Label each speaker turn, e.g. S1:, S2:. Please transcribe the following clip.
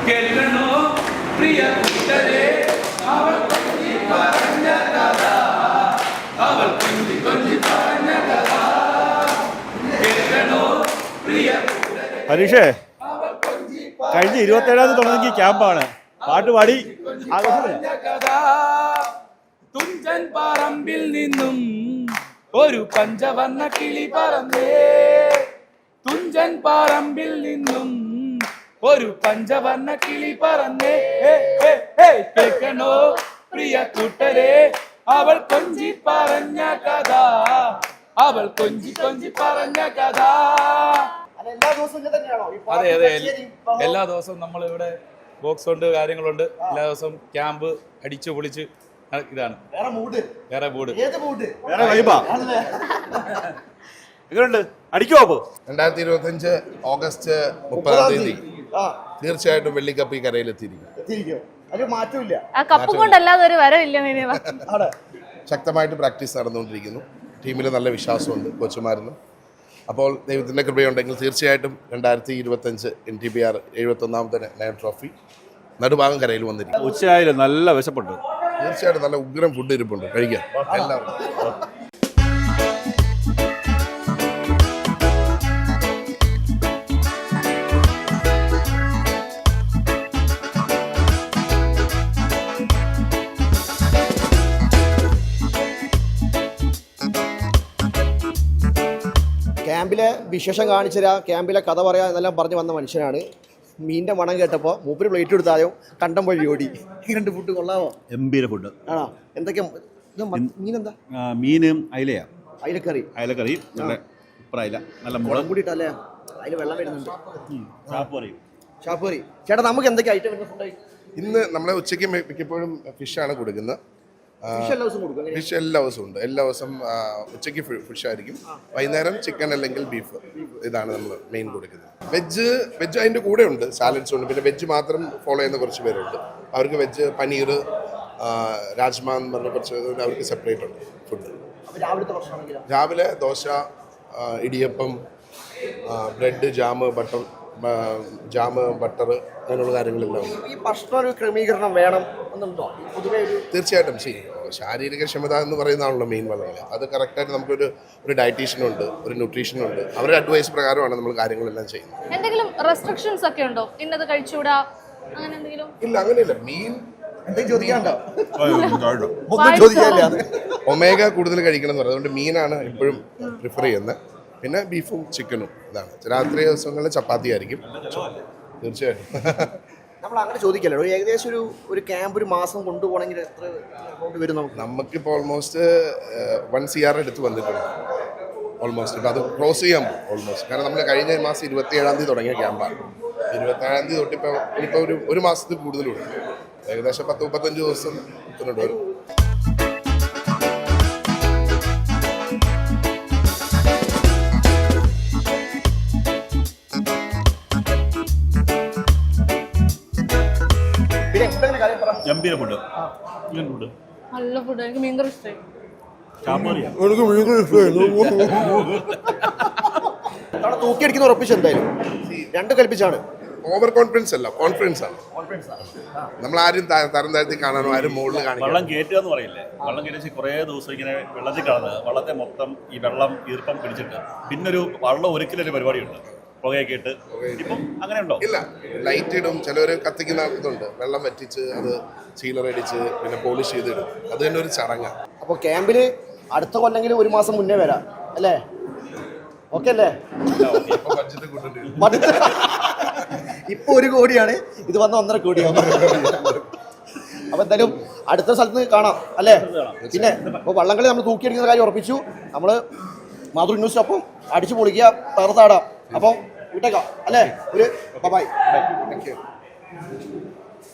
S1: കേൾക്കണോ പ്രിയ കൂട്ടരെ അവൾ കൊഞ്ചി പറഞ്ഞ കഥ അവൾ കൊഞ്ചി കൊഞ്ചി പറഞ്ഞ കഥ കേൾക്കണോ പ്രിയ കൂട്ടരെ.
S2: ഹരീഷേ, കഴിഞ്ഞ 27-ാം തീയതി തുടങ്ങി ക്യാമ്പാണ്. പാട്ടുപാടി
S1: കഥ തുഞ്ചൻ പറമ്പിൽ നിന്നും ഒരു പഞ്ചവർണ്ണ കിളി പറന്നേ. തുഞ്ചൻ പറമ്പിൽ നിന്നും ഒരു പഞ്ചവർണ്ണ കിളി പറന്നേ. കേൾക്കണോ പ്രിയ കൂട്ടരെ അവൾ കൊഞ്ചി പറഞ്ഞ കഥ അവൾ കൊഞ്ചി കൊഞ്ചി പറഞ്ഞ കഥ. അതെ അതെ, എല്ലാ ദിവസവും നമ്മൾ ഇവിടെ ബോക്സ് ഉണ്ട്, കാര്യങ്ങളുണ്ട്. എല്ലാ ദിവസവും ക്യാമ്പ് അടിച്ചു പൊളിച്ച് ഇതാണ് വേറെ മൂഡ്.
S2: വേറെ വൈബാ. എങ്ങനെയുണ്ട്? അടിക്കുമോ? അപ്പോ
S3: 2025 ഓഗസ്റ്റ് 30-ാം തീയതി തീർച്ചയായിട്ടും വെള്ളിക്കപ്പ് ഈ കരയിലെത്തിയിരിക്കും.
S4: കപ്പ് കൊണ്ടല്ലാതെ ഒരു വരവില്ല.
S3: ശക്തമായിട്ട് പ്രാക്ടീസ് നടന്നുകൊണ്ടിരിക്കുന്നു. ടീമിൽ നല്ല വിശ്വാസമുണ്ട് കോച്ചുമാരിന്. അപ്പോൾ ദൈവത്തിൻ്റെ കൃപയുണ്ടെങ്കിൽ തീർച്ചയായിട്ടും 2025 NTBR 71ാമത്തെ നയൻ ട്രോഫി നടുഭാഗം കരയിൽ വന്നിരിക്കും.
S2: ഉച്ചയായാലും നല്ല വിശപ്പുണ്ട്.
S3: തീർച്ചയായിട്ടും നല്ല ഉഗ്രം ഫുഡ് ഇരിപ്പുണ്ട്, കഴിക്കാം എല്ലാവരും.
S5: ക്യാമ്പിലെ വിശേഷം കാണിച്ചു തരാം, ക്യാമ്പിലെ കഥ പറയാം എന്നെല്ലാം പറഞ്ഞു വന്ന മനുഷ്യനാണ്. മീനിൻ്റെ മണം കേട്ടപ്പോൾ മൂപ്പര് പ്ലേറ്റ് എടുത്തായോ കണ്ടം വഴി ഓടി. രണ്ട് ഫുഡ് കൊള്ളാമോ?
S2: ഗംഭീര ഫുഡ്
S5: ആണോ? എന്തൊക്കെയാ മീനെന്താ?
S2: മീനും അയിലയാ.
S5: അയിലക്കറി.
S2: അയിലക്കറി നല്ല അയില, നല്ല മുളക്
S5: കൂടിയിട്ടല്ലേ? അതിൽ വെള്ളം വരുന്നുണ്ട്. ഷാപ്പുകറി. ചേട്ടാ, നമുക്ക് എന്തൊക്കെ ഐറ്റം വരുന്ന ഫുഡായി?
S3: ഇന്ന് നമ്മളെ ഉച്ചയ്ക്ക് മിക്കപ്പോഴും ഫിഷാണ് കൊടുക്കുന്നത്. ഫിഷ് എല്ലാ ദിവസവും ഉണ്ട്. എല്ലാ ദിവസം ഉച്ചയ്ക്ക് ഫിഷ് ആയിരിക്കും, വൈകുന്നേരം ചിക്കൻ അല്ലെങ്കിൽ ബീഫ്. ഇതാണ് നമ്മൾ മെയിൻ കൊടുക്കുന്നത്. വെജ് അതിൻ്റെ കൂടെ ഉണ്ട്, സാലഡ്സ് ഉണ്ട്. പിന്നെ വെജ് മാത്രം ഫോളോ ചെയ്യുന്ന കുറച്ച് പേരുണ്ട്. അവർക്ക് വെജ് പനീർ, രാജ്മ എന്ന് പറഞ്ഞ കുറച്ച് അവർക്ക് സെപ്പറേറ്റ് ഉണ്ട് ഫുഡ്. രാവിലെ dosa, idiyappam, bread, jam, butter അങ്ങനെയുള്ള കാര്യങ്ങളെല്ലാം ഉണ്ട്.
S5: ഈ ഭക്ഷണ ഒരു ക്രമീകരണം വേണം എന്നുണ്ടോ? പൊതുവെ
S3: തീർച്ചയായിട്ടും ശാരീരിക ക്ഷമത എന്ന് പറയുന്നതാണല്ലോ മെയിൻ വളരെ. അത് കറക്റ്റായിട്ട് നമുക്കൊരു ഡയറ്റീഷ്യനുണ്ട്, ഒരു ന്യൂട്രീഷനുണ്ട്. അവരുടെ അഡ്വൈസ് പ്രകാരമാണ് നമ്മൾ കാര്യങ്ങളെല്ലാം ചെയ്യുന്നത്.
S4: എന്തെങ്കിലും റെസ്ട്രിക്ഷൻസ് ഒക്കെ ഉണ്ടോ? ഇന്നത് കഴിച്ചുകൂടാ അങ്ങനെ എന്തെങ്കിലും?
S3: ഇല്ല, അങ്ങനെയില്ല. മീൻ ഒമേഗ കൂടുതൽ കഴിക്കണം എന്ന് പറയും. അതുകൊണ്ട് മീനാണ് എപ്പോഴും പ്രിഫർ ചെയ്യുന്നത്. പിന്നെ ബീഫും ചിക്കനും ഇതാണ്. രാത്രി ദിവസങ്ങളിൽ ചപ്പാത്തി ആയിരിക്കും തീർച്ചയായിട്ടും.
S5: നമ്മൾ അങ്ങനെ ചോദിക്കല്ലോ, ഏകദേശം ഒരു ക്യാമ്പ് ഒരു മാസം കൊണ്ടുപോകണമെങ്കിൽ എത്ര എമൗണ്ട് വരും നമുക്ക്?
S3: നമുക്കിപ്പോൾ ഓൾമോസ്റ്റ് 1 CR എടുത്ത് വന്നിട്ടുണ്ട് ഓൾമോസ്റ്റ്. ഇപ്പം അത് ക്ലോസ് ചെയ്യാൻ പോകും ഓൾമോസ്റ്റ്. കാരണം നമ്മൾ കഴിഞ്ഞ മാസം 27-ാം തീയതി തുടങ്ങിയ ക്യാമ്പാണ്. 27-ാം തീയതി തൊട്ടിപ്പോൾ ഒരു മാസത്തിൽ കൂടുതലുണ്ട്. ഏകദേശം 10-35 ദിവസം വരും.
S2: ഗംഭീര ഫുഡ്.
S4: നല്ല ഫുഡ്. എനിക്ക് മീൻകറി ഇഷ്ടമായി.
S5: തൂക്കിയടിക്കുന്ന ഉറപ്പിച്ച് എന്തായാലും രണ്ട് കൽപ്പിച്ചാണ്.
S3: ഓവർ കോൺഫിഡൻസ് അല്ല, കോൺഫിഡൻസ് ആണ്. നമ്മൾ ആരും തരം താഴ്ത്തി കാണാനോ ആരും മുകളിൽ കാണിക്കണം.
S2: വെള്ളം കയറ്റുക എന്ന് പറയില്ലേ? വെള്ളം കയറ്റി കുറേ ദിവസം ഇങ്ങനെ വെള്ളത്തിൽ കളഞ്ഞ് വെള്ളത്തെ മൊത്തം ഈ വെള്ളം ഈർപ്പം പിടിച്ചിട്ട് പിന്നൊരു വെള്ളം ഒരിക്കലൊരു പരിപാടിയുണ്ട്, പുകയൊക്കെ ഇട്ട്. ഇപ്പം അങ്ങനെ ഉണ്ടോ?
S3: ഇല്ല, ലൈറ്റ് ഇടും. ചിലവർ കത്തിക്കുന്ന ഇതുണ്ട്, വെള്ളം വറ്റിച്ച് അത് സീലറടിച്ച് പിന്നെ പോളിഷ് ചെയ്തിടും. അത് തന്നെ ഒരു ചടങ്ങാണ്.
S5: അപ്പോൾ ക്യാമ്പിൽ അടുത്ത കൊല്ലെങ്കിലും 1 മാസം മുന്നേ വരാം അല്ലേ? ഓക്കെ അല്ലേ? ഇപ്പൊ 1 കോടിയാണ്, ഇത് വന്ന 1.5 കോടിയാണ്. അപ്പൊ എന്തായാലും അടുത്ത സ്ഥലത്ത് കാണാം അല്ലേ? പിന്നെ ഇപ്പോൾ വള്ളംകളി നമ്മൾ തൂക്കിയടിക്കുന്ന കാര്യം ഉറപ്പിച്ചു. നമ്മൾ മാതൃ ന്യൂസിനൊപ്പം അടിച്ചു പൊളിക്കുക, തകർത്താടാം. അപ്പം വിട്ടേക്കാം അല്ലേ? ഒരു ബൈ.
S3: Thank you.